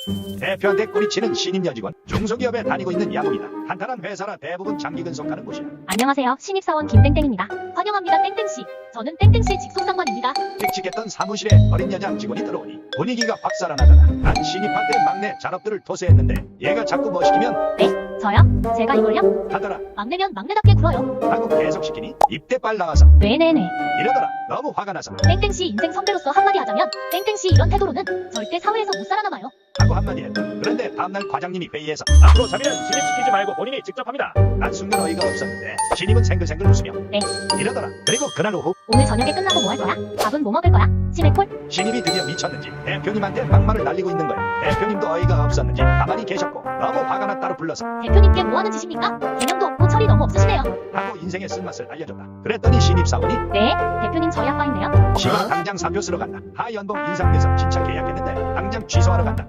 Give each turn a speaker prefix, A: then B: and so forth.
A: 대표한테 꼬리치는 신입 여직원. 중소기업에 다니고 있는 야동이다. 탄탄한 회사라 대부분 장기 근속하는 곳이야.
B: 안녕하세요. 신입사원 김땡땡입니다. 환영합니다. 땡땡씨. 저는 땡땡씨 직속상관입니다.
A: 칙칙했던 사무실에 어린 여자 직원이 들어오니 분위기가 확 살아나더라. 난 신입한테 막내 잔업들을 토세했는데 얘가 자꾸 뭐 시키면
B: 네? 저요? 제가 이걸요?
A: 하더라
B: 막내면 막내답게 굴어요.
A: 하고 계속 시키니 입대빨 나와서
B: 네네네.
A: 이러더라. 너무 화가 나서
B: 땡땡씨 인생 선배로서 한마디 하자면 땡땡씨 이런 태도로는 절대 사회에서 못 살아남아요.
A: 하고 한마디 했다. 그런데 다음날 과장님이 회의에서 앞으로 자비는 신입시키지 말고 본인이 직접 합니다. 난 순간 어이가 없었는데 신입은 생글생글 웃으며
B: 네.
A: 이러더라. 그리고 그날 오후
B: 오늘 저녁에 끝나고 뭐 할 거야? 밥은 뭐 먹을 거야? 치맥콜?
A: 신입이 드디어 미쳤는지 대표님한테 막말을 날리고 있는 거야. 대표님도 어이가 없었는지 가만히 계셨고 너무 화가 나 따로 불러서
B: 대표님께 뭐 하는 짓입니까? 개념도 없고 철이 너무 없으시네요.
A: 하고 인생의 쓴맛을 알려줬다. 그랬더니 신입사원이
B: 네? 대표님 저희 아빠인데요.
A: 시방 당장 사표 쓰러 간다. 하 연봉 인상돼서 진짜 계약했는데 당장 취소하러 간다.